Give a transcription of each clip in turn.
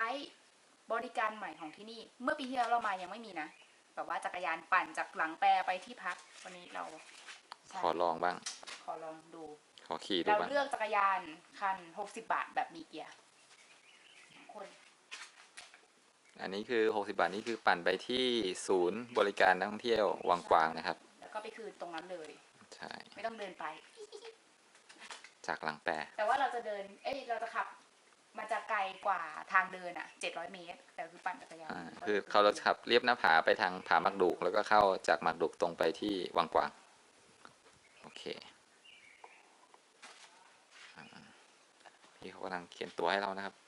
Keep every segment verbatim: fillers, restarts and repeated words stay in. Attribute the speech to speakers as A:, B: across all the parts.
A: บริการใหม่ของที่นี่เมื่อปีที่แล้วเรามายังไม่มีนะแบบว่าจักรยานปั่นจากหลังแปรไปที่พักวันนี้เรา
B: ขอลองบ้าง
A: ขอลองดู
B: ขอขี่ดู
A: เรา
B: บ้าง
A: เลือกจักรยานคันหกสิบบาทแบบมีเกียร์คน
B: อันนี้คือหกสิบบาทนี่คือปั่นไปที่ศูนย์บริการนักท่องเที่ยววังกวางนะครับ
A: แล้วก็ไปคืนตรงนั้นเลย
B: ใช่
A: ไม่ต้องเดินไป
B: จากหลังแปร
A: แต่ว่าเราจะเดินเอ้ยเราจะขับมันจะไกลกว่าทางเดินอ่ะเจ็ดร้อยเมตรแต่คือปั่นจักรยาน
B: คือเขาเราขับเรียบหน้าผาไปทางผามักดุกแล้วก็เข้าจากมักดุกตรงไปที่วังกวางโอเคพี่เขากำลังเขียนตัวให้เรานะครับ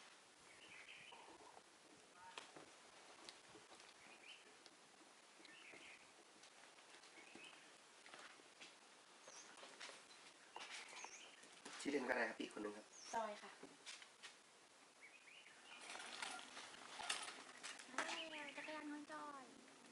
C: ชื่อเล่นก็ได้ครับอีกคนนึงครับ
A: จอยค่ะจักรยานของจอย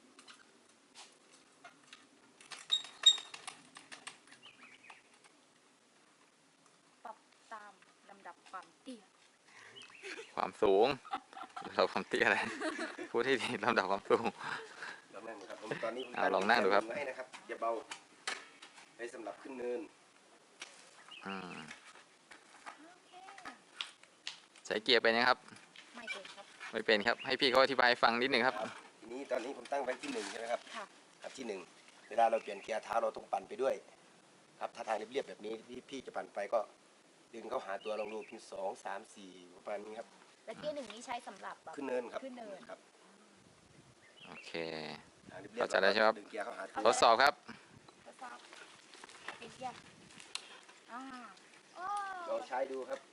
A: ปรับตามลำดับความเตี้ย
B: ความสูงเราความเตี้ยอะไรพูดให้ดีลำดับความสูง
C: ลองนั่งดูครับตอนนี้
B: ลองนั่งดูครับ
C: ไว้นะครับอย่าเบาไว้สำหรับขึ้นเนิน
B: อืมใช้เกียร์เป็นยังครับ
A: ไม่เป็นครับ
B: ไม่เป็นครับให้พี่เขาอธิบายฟังนิดหนึ่งครับ
C: ทีนี้ตอนนี้ผมตั้งไว้ที่หนึ่งใช่ไหมครับ
A: ค่ะ
C: ครับที่หนึ่งเวลาเราเปลี่ยนเกียร์เท้าเราต้องปั่นไปด้วยครับถ้าทางเรียบๆแบบนี้ที่พี่จะปั่นไปก็ดึงเข้าหาตัวลองดูเป็นสองสามสี่ประมาณนี้ครับ
A: และเกียร์หนึ่งนี้ใช้สำหรับ
C: ขึ้นเนินครับ
A: ขึ้นเนิน
C: ครับ
B: โอเคเข้าใจได้ใช่ไหมครับทดสอบครับ
A: ทดสอบเกียร์อ่า
C: ลองใช้ดูครับ